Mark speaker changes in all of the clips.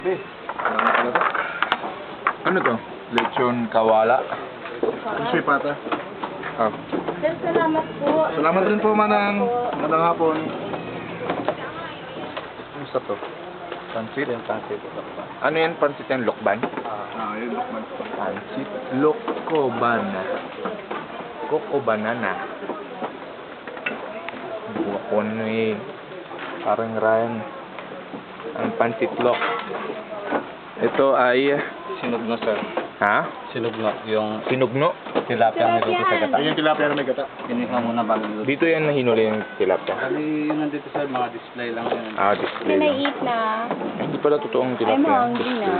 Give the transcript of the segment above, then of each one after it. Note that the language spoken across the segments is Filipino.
Speaker 1: Ano to? Lechon kawala.
Speaker 2: Sushi pata.
Speaker 1: Oh.
Speaker 3: Sir, salamat po.
Speaker 2: Salamat rin po, Manang. Magandang hapon.
Speaker 1: Ano sa to? Pansit? Ano yan? Pansit yan? Lokban?
Speaker 2: Yun, Lokman.
Speaker 1: Pansit Lokobana. Coco banana. Buka ko ano eh. Parang Ryan. Ang pansit lok. Ito ay...
Speaker 4: Sinugno, sir.
Speaker 1: Ha?
Speaker 4: Sinugno. Yung
Speaker 1: Sinugno?
Speaker 4: tilapia ang niluto sa gata.
Speaker 2: Ayun yung tilapia na may gata.
Speaker 4: Pinika muna bago niluto.
Speaker 1: Dito yan nahinuli yung tilapia.
Speaker 4: Kali yun nandito, sir. Mga display lang yan.
Speaker 1: Display
Speaker 3: Can I
Speaker 1: lang.
Speaker 3: eat na?
Speaker 1: Ay, hindi pala totoong tilapia.
Speaker 3: I'm hungry na.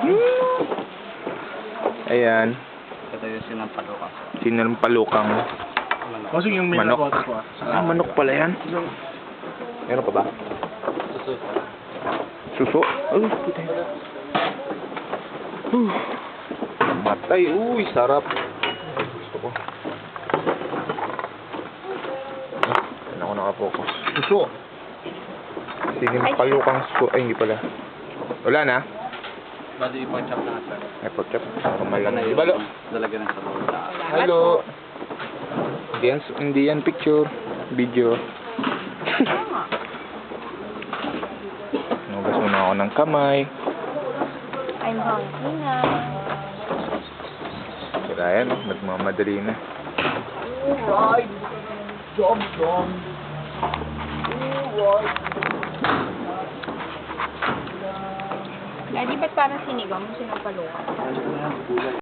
Speaker 1: Ayan.
Speaker 4: Ito yung sinampalukan, sir.
Speaker 1: Sinampalukang
Speaker 4: Manok.
Speaker 2: Kasi yung may
Speaker 1: manok.
Speaker 2: nakuha ko.
Speaker 1: Manok pala yan. Meron pa ba?
Speaker 4: Suso.
Speaker 1: Suso? Oh, puta. Matay. Uy, sarap. Gusto ko. Ano ako nakapokus?
Speaker 2: Suso.
Speaker 1: Sinampalukang suso. Ay, hindi pala. Wala na.
Speaker 4: Bali ipag-chop na, sir.
Speaker 1: Ay, pork chop. Normal lang. Di ba, lo?
Speaker 4: Lalagyan ng sabaw.
Speaker 1: Hello. Hindi yan picture. Video. Nugas muna ako ng kamay.
Speaker 3: I'm hungry na.
Speaker 1: Sira yan, nagmamadali na.
Speaker 2: Alright. Job done. Alright.
Speaker 3: Daddy, ba't parang sinigaw mo sinampalukan?